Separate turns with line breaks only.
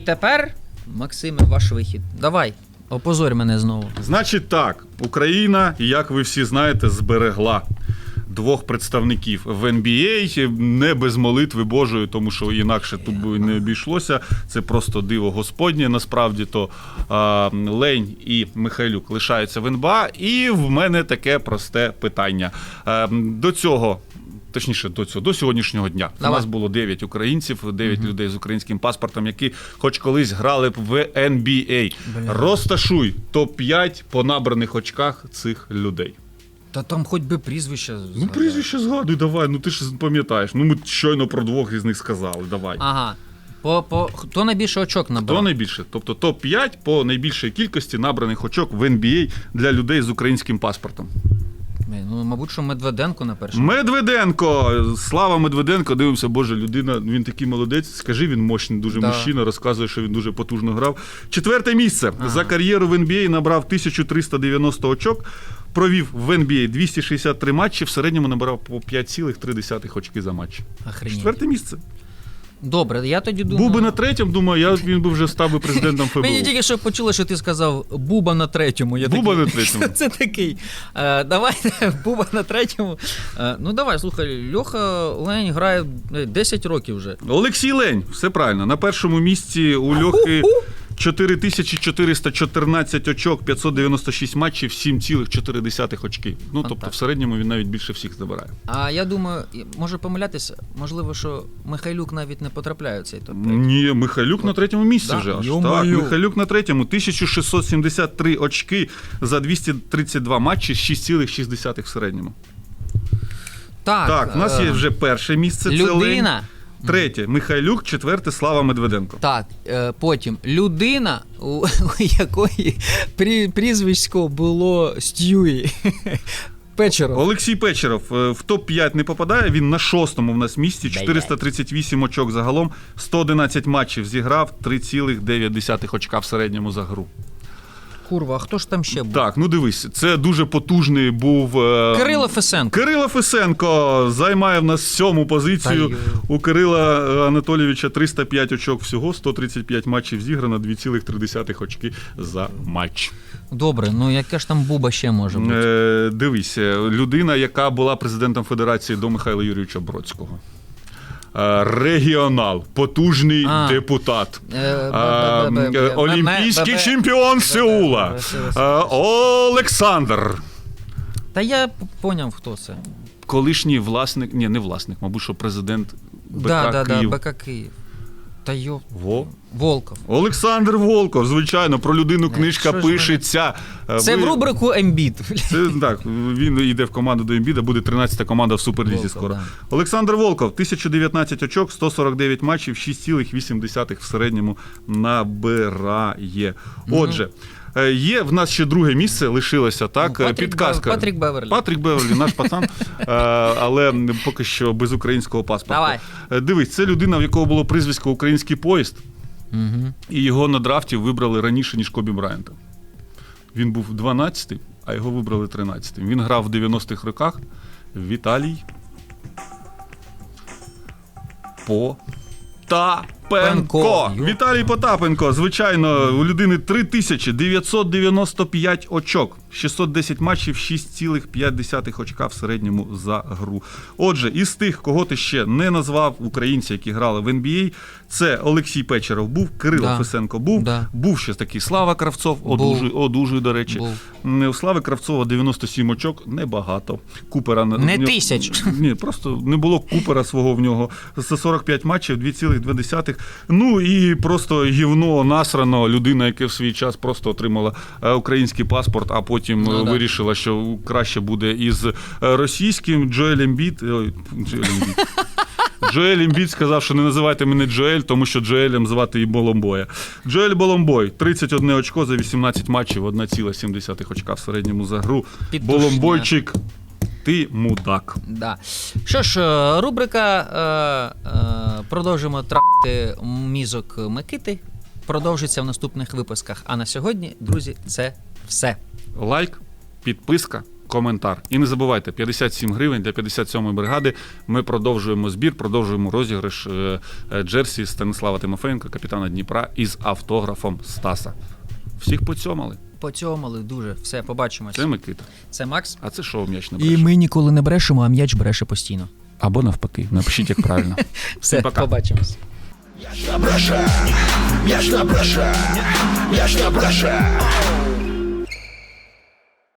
Тепер, Максиме, ваш вихід. Давай, опозорь мене знову.
Значить так, Україна, як ви всі знаєте, зберегла двох представників в NBA, не без молитви Божої, тому що інакше тут би не обійшлося. Це просто диво Господнє. Насправді то Лень і Михайлюк лишаються в НБА. І в мене таке просте питання. До цього, точніше, до сьогоднішнього дня.
Давай.
У нас було 9 українців, 9 людей з українським паспортом, які хоч колись грали б в NBA. Розташуй топ-5 по набраних очках цих людей.
Та там хоч би прізвище.
Ну, прізвище згадуй, давай, ну ти ж пам'ятаєш. Ну, ми щойно про двох із них сказали, давай.
Ага. Хто найбільше очок набрав?
Хто найбільше? Тобто топ-5 по найбільшій кількості набраних очок в NBA для людей з українським паспортом.
Ну, мабуть, що Медведенко на першому.
Медведенко! Слава Медведенко, дивимося, боже, людина, він такий молодець, скажи, він мощний дуже мужчина, розказує, що він дуже потужно грав. 4-те місце. За кар'єру в NBA набрав 1390 очок, провів в NBA 263 матчі, в середньому набрав по 5,3 очки за матч.
Охренеть.
4-те місце.
Добре, я тоді думаю...
Був би на 3-му, думаю, він би вже став би президентом ФБУ.
Мені тільки що почули, що ти сказав Буба на 3-му.
Буба на 3-му.
Це такий. Давайте, Буба на 3-му. Ну давай, слухай, Льоха Лень грає 10 років вже.
Олексій Лень, все правильно. На першому місці у Льохи 4414 очок, 596 матчів, 7,4 очки. Ну, тобто в середньому він навіть більше всіх забирає.
А я думаю, може помилятися, можливо, що Михайлюк навіть не потрапляє в цей топ-5.
Ні, Михайлюк на 3-му місці вже аж. Так,
Ё-моё.
Михайлюк на 3-му, 1673 очки за 232 матчі, 6,6 в середньому. Так, у нас є вже перше місце, це Лень.
Людина.
3-те Михайлюк, 4-те Слава Медведенко.
Так, потім людина, у якої прізвисько було Стюї. Печеров.
Олексій Печеров в топ-5 не попадає, він на 6-му в нас місці, 438 очок загалом, 111 матчів зіграв, 3,9 очка в середньому за гру.
Курва, а хто ж там ще був?
Так, ну дивись, це дуже потужний був...
Кирило Фесенко.
Кирило Фесенко займає в нас 7-му позицію. У Кирила Анатолійовича 305 очок всього, 135 матчів зіграно, 2,3 очки за матч.
Добре, ну яка ж там Буба ще може бути?
Дивись, людина, яка була президентом Федерації до Михайла Юрійовича Бродського. Регіонал, потужний депутат, олімпійський чемпіон Сеула, Олександр.
Та я поняв, хто це.
Колишній власник, ні, не власник, мабуть, що президент БК Київ.
БК Київ. Та
Волков. Олександр Волков, звичайно, про людину книжка пишеться.
Це в рубрику Ембіт.
Так, він йде в команду до Ембіда, буде 13-та команда в Суперлізі скоро. Да. Олександр Волков, 1019 очок, 149 матчів, 6,8 в середньому набирає. Отже, є в нас ще друге місце, лишилося, так? Підказка.
Патрік Беверлі.
Патрік Беверлі, наш пацан, але поки що без українського паспорта.
Давай.
Дивись, це людина, в якого було прізвисько «Український поїзд», і його на драфті вибрали раніше, ніж Кобі Брайанта. Він був 12-й, а його вибрали 13-м. Він грав в 90-х роках. Віталій Потапенко. Віталій Потапенко, звичайно, у людини 3995 очок, 610 матчів, 6,5 очка в середньому за гру. Отже, із тих, кого ти ще не назвав, українці, які грали в NBA, це Олексій Печеров був, Кирило Фесенко був, був ще такий Слава Кравцов, одужує, до речі. У Слави Кравцова 97 очок, небагато. Купера
не 1000.
Ні, просто не було Купера свого в нього. За 45 матчів, 2,2. Ну і просто гівно насрано, людина, яка в свій час просто отримала український паспорт, а потім вирішила, що краще буде із російським. Джоель Ембіт сказав, що не називайте мене Джоель, тому що Джоелем звати і Боломбоя. Джоель Боломбой, 31 очко за 18 матчів, 1,7 очка в середньому за гру. Боломбойчик, ти мудак.
Да. Що ж, рубрика «Продовжимо трахати мізок Микити» продовжиться в наступних випусках. А на сьогодні, друзі, це все.
Лайк, підписка, коментар. І не забувайте, 57 гривень для 57-ї бригади. Ми продовжуємо збір, продовжуємо розіграш джерсі Станислава Тимофеєнка, капітана Дніпра, із автографом Стаса. Всіх поцьомали.
Поцьомали дуже. Все, побачимось.
Це Микита.
Це Макс.
А це шоу «М'яч не
І
бреше».
ми ніколи не брешемо, а м'яч бреше постійно.
Або навпаки. Напишіть, як правильно.
Все,
пока.
побачимось.
М'яч не бреше, м'яч не бреше, м'яч не бреше.